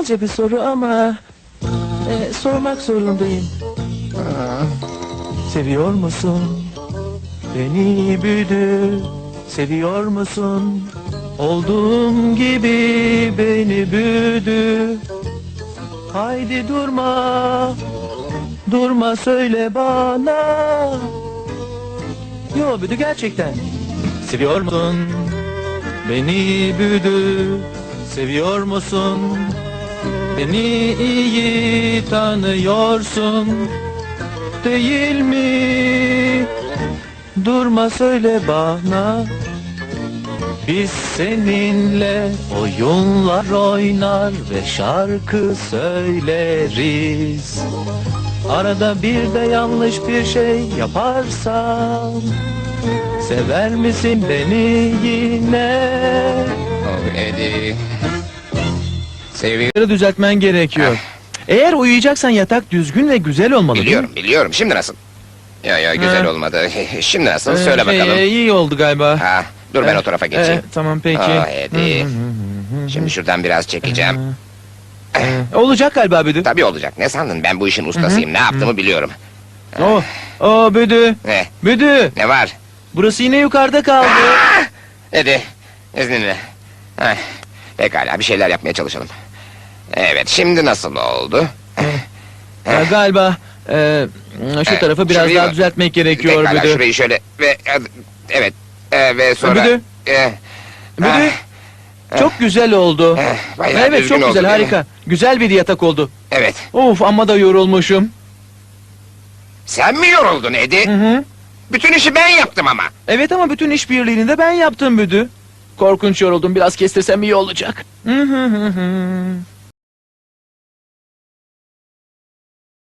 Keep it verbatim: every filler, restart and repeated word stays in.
aptalca bir soru ama e, sormak zorundayım. Seviyor musun? Beni büyüdü. Seviyor musun? Olduğum gibi beni büyüdü. Haydi durma. Durma söyle bana. Yo büyüdü gerçekten. Seviyor musun? Beni büyüdü. Seviyor musun? Beni iyi tanıyorsun. Değil mi? Durma söyle bana. Biz seninle oyunlar oynar ve şarkı söyleriz. Arada bir de yanlış bir şey yaparsam sever misin beni yine? Oh Eddie. Seviyorum. Bunları düzeltmen gerekiyor. Eğer uyuyacaksan yatak düzgün ve güzel olmalı. değil mi? Biliyorum, biliyorum. Şimdi nasıl? Ya ya güzel Ha. olmadı. Şimdi nasıl? Ee, Söyle şey, bakalım. e, iyi oldu galiba. Ha, dur ben Ee, o tarafa geçeyim. e, tamam peki. Ah Eddie. Hı, hı, hı, hı. Şimdi şuradan biraz çekeceğim. Ee, olacak galiba Büdü. Tabii olacak. Ne sandın? Ben bu işin ustasıyım. Ne yaptığımı biliyorum. Oh, oh Büdü. Ne? Büdü. Ne var? Burası yine yukarıda kaldı. Ah! Eddie, izninle. Heh, pekala, bir şeyler yapmaya çalışalım. Evet, şimdi nasıl oldu? Ha, galiba e, şu Ee, tarafı biraz şurayı daha mı? düzeltmek gerekiyor Pekala, Büdü. şurayı şöyle ve evet e, ve sonra. Büdü. E, Büdü. ah, Çok güzel oldu. eh, bayağı Evet düzgün çok oldu, güzel değil mi? harika. Güzel bir yatak oldu. Evet. Of amma da yorulmuşum. Sen mi yoruldun Eddie? Hı hı. Bütün işi ben yaptım ama. Evet ama bütün işbirliğini de ben yaptım Büdü. Korkunç yoruldum, biraz kestirsem iyi olacak. Hı hı hı hı.